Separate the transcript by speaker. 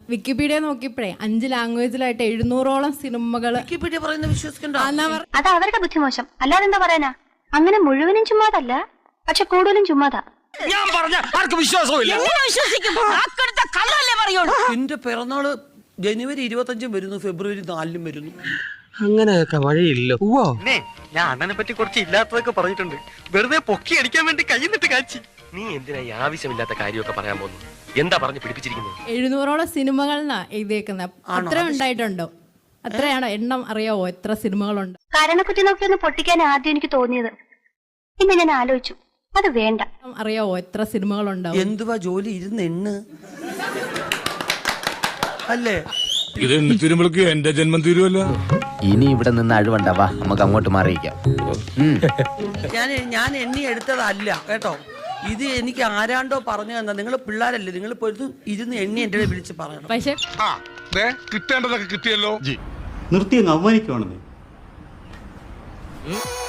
Speaker 1: Wikipedia നോക്കിയപ്പോഴേ 5 ലാംഗ്വേജിലായിട്ട് 700ഓളം സിനിമകൾ
Speaker 2: Wikipedia പറയുന്ന വിശ്വസിക്കണ്ട.
Speaker 3: അത് അവരുടെ ബുദ്ധിമോശം, അല്ലാതെ എന്താ പറയാനാ. അങ്ങനെ മുഴുവനും ചുമ്മാതല്ല, പക്ഷെ കൂടുതലും ചുമ്മാതാ.
Speaker 4: ഞാൻ പറഞ്ഞ ആർക്ക് വിശ്വാസമില്ല.
Speaker 2: എന്റെ പിറന്നാള് ജനുവരി 25 വരുന്നു, ഫെബ്രുവരി 4 വരുന്നു.
Speaker 4: അങ്ങനെയൊക്കെ വഴിയില്ലോ.
Speaker 5: ഞാൻ അണ്ണനെ പറ്റി കുറച്ച് ഇല്ലാത്തതൊക്കെ പറഞ്ഞിട്ടുണ്ട്. വെറുതെ പൊക്കി അടിക്കാൻ വേണ്ടി കൈന്നിട്ട് കാച്ചി. നീ എന്തിനാ ഈ ആവശ്യമില്ലാത്ത കാര്യമൊക്കെ പറയാൻ പോകുന്നു? എന്താ പറഞ്ഞു പിടിപ്പിച്ചിരിക്കുന്നത്?
Speaker 1: 700ഓളം സിനിമകളാ എഴുതിയേക്കുന്നത്. അത്ര ഉണ്ടായിട്ടുണ്ടോ? അത്രയാണോ? എണ്ണം അറിയാവോ എത്ര സിനിമകളുണ്ട്?
Speaker 3: കരണക്കുറ്റി നോക്കി ഒന്ന് പൊട്ടിക്കാൻ ആദ്യം എനിക്ക് തോന്നിയത്. പിന്നെ ഞാൻ ആലോചിച്ചു, അത് വേണ്ട.
Speaker 1: അറിയാവോ എത്ര സിനിമകളുണ്ടോ?
Speaker 2: എന്തുവാ ജോലി ഇരുന്ന് എണ്ണ് അല്ലേ?
Speaker 6: ഇത് എണ്ണിത്തീരുമ്പോഴേക്ക് എന്റെ ജന്മം തീരുമല്ലോ.
Speaker 7: ഇനി ഇവിടെ നിന്ന് അഴിവണ്ടാവാ, നമുക്ക് അങ്ങോട്ട് മാറിയിക്കാം.
Speaker 2: ഞാൻ എണ്ണി എടുത്തതല്ല കേട്ടോ, ഇത് എനിക്ക് ആരാണ്ടോ പറഞ്ഞു തന്നാ. നിങ്ങൾ പിള്ളേരല്ലേ, നിങ്ങൾ ഇരുന്ന് എണ്ണി എന്റെ വിളിച്ച് പറയണം.
Speaker 1: പക്ഷെ
Speaker 6: കിട്ടേണ്ടതൊക്കെ കിട്ടിയല്ലോ.
Speaker 8: നിർത്തി അങ്ങ് അവമാനിക്കുവാണെന്നേ.